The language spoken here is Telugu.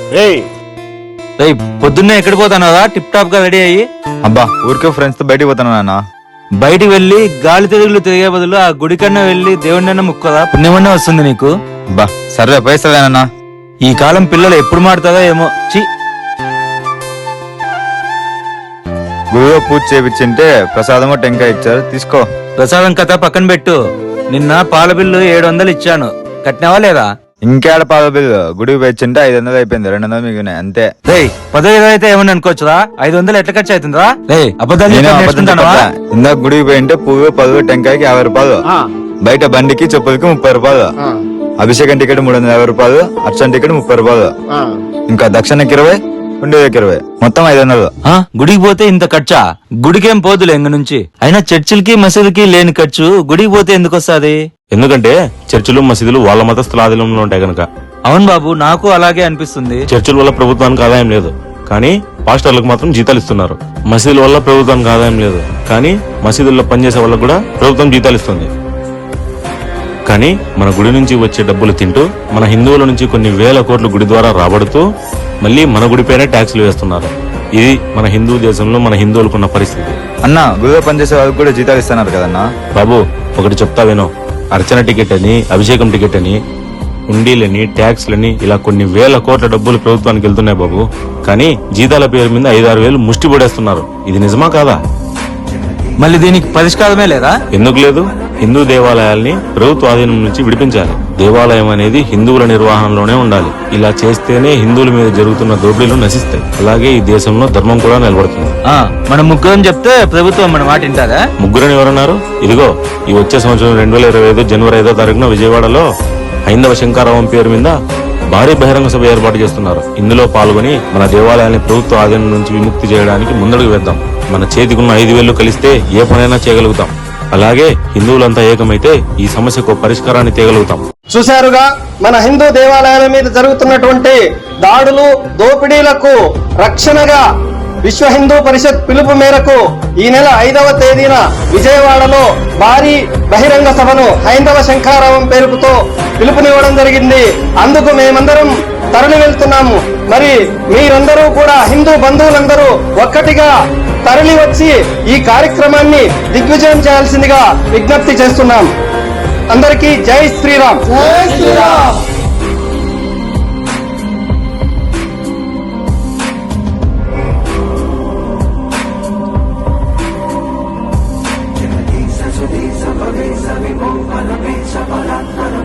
పొద్దున్నే ఎక్కడికి పోతానదా టిప్ టాప్ గా రెడీ అయ్యి? అబ్బా ఊరికే ఫ్రెండ్స్ తో బయటికి పోతాను నాన్న. బయటికి వెళ్లి గాలి తిరుగులు తిరిగే బదులు ఆ గుడి కన్నా వెళ్లి దేవుడినన్నా ముక్కదా, పుణ్యమన్నా వస్తుంది నీకు. అబ్బా సర్వే పైసలేనా? ఈ కాలం పిల్లలు ఎప్పుడు మాడుతుందో ఏమో. చి గుడిలో పూజ చేపించింటే ప్రసాదము టెంకాయ ఇచ్చారు, తీసుకో. ప్రసాదం కథ పక్కన పెట్టు. నిన్న పాల బిల్లు 700 ఇచ్చాను, కట్టినావా లేదా? ఇంకేడ పాల బిల్లు? గుడికి పోయింటే 500 అయిపోయింది, 200 మిగిలినాయి అంతే. రే 10,000 అయితే ఏమని అనుకోవచ్చురా, 500 ఎట్లా ఖర్చు అవుతుందా? రే అబద్ధాలు ఇందాక గుడికి పోయింటే పువ్వు 10 టెంకాయకి 50 రూపాయలు, బయట బండికి చెప్పులకి 30 రూపాయలు, అభిషేకం టికెట్ 350 రూపాయలు, అర్చన టికెట్ 30 రూపాయలు, ఇంకా దక్షిణకి 20, ఉండేకి 20, మొత్తం 500. గుడికి పోతే ఇంత ఖర్చా? గుడికేం పోదులే ఇంక నుంచి. అయినా చర్చిలకి మసీదులకి లేని ఖర్చు గుడికి పోతే ఎందుకు వస్తుంది? ఎందుకంటే చర్చిలు మసీదులు వాళ్ళ మతస్థుల ఆధీనంలో ఉంటాయి కనుక. అవును బాబు, నాకు అలాగే అనిపిస్తుంది. చర్చిల వల్ల ప్రభుత్వానికి ఆదాయం లేదు, కానీ పాస్టర్లకు మాత్రం జీతాలు ఇస్తున్నారు. మసీదుల వల్ల ప్రభుత్వానికి ఆదాయం లేదు, కానీ మసీదుల్లో పనిచేసే వాళ్ళకు కూడా ప్రభుత్వం జీతాలు ఇస్తుంది. కానీ మన గుడి నుంచి వచ్చే డబ్బులు తింటూ మన హిందువుల నుంచి కొన్ని వేల కోట్లు గుడి ద్వారా రాబడుతూ మళ్ళీ మన గుడిపైనే ట్యాక్సులు వేస్తున్నారు. ఇది మన హిందూ దేశంలో మన హిందువులకున్న పరిస్థితి. అన్న గుడిలో పనిచేసే వాళ్ళకి కూడా జీతాలు ఇస్తున్నారు కదన్నా. బాబు ఒకటి చెప్తా వినో, అర్చన టికెట్ అని, అభిషేకం టికెట్ అని, ఉండీలని, ట్యాక్స్లని, ఇలా కొన్ని వేల కోట్ల డబ్బులు ప్రభుత్వానికి వెళ్తున్నాయి బాబు. కానీ జీతాల పేరు మీద 5-6 వేలు ముష్టి పడేస్తున్నారు. ఇది నిజమా కాదా? మళ్ళీ దీనికి పరిష్కారమే లేదా? ఎందుకు లేదు? హిందూ దేవాలయాల్ని ప్రభుత్వ ఆధీనం నుంచి విడిపించాలి. దేవాలయం అనేది హిందువుల నిర్వహణలోనే ఉండాలి. ఇలా చేస్తేనే హిందువుల మీద జరుగుతున్న దోపిడీలు నశిస్తాయి. అలాగే ఈ దేశంలో ధర్మం కూడా నిలబడుతుంది. మనం ముగ్గురం చెప్తే ప్రభుత్వం మన మాట వింటారా? ముగ్గురని ఎవరన్నారు? ఇదిగో ఈ వచ్చే సంవత్సరం 2025 జనవరి 5వ తారీఖున విజయవాడలో హైందవ శంకారావం పేరు మీద భారీ బహిరంగ సభ ఏర్పాటు చేస్తున్నారు. ఇందులో పాల్గొని మన దేవాలయాన్ని ప్రభుత్వ ఆధీనం నుంచి విముక్తి చేయడానికి ముందడుగు వేద్దాం. మన చేతికున్న 5,000 కలిస్తే ఏ పనైనా చేయగలుగుతాం. అలాగే హిందువులంతా ఏకమైతే ఈ సమస్యకు పరిష్కారాన్ని తేగలుగుతాం. చూశారుగా మన హిందూ దేవాలయాల మీద జరుగుతున్నటువంటి దాడులు, దోపిడీలకు రక్షణగా విశ్వ హిందూ పరిషత్ పిలుపు మేరకు ఈ నెల 5వ తేదీన విజయవాడలో భారీ బహిరంగ సభను హైందవ శంఖారావం పేరుతో పిలుపునివ్వడం జరిగింది. అందుకు మేమందరం తరలి వెళ్తున్నాము. మరి మీరందరూ కూడా హిందూ బంధువులందరూ ఒక్కటిగా తరలి వచ్చి ఈ కార్యక్రమాన్ని దిగ్విజయం చేయాల్సిందిగా విజ్ఞప్తి చేస్తున్నాం. అందరికీ జై శ్రీరామ్.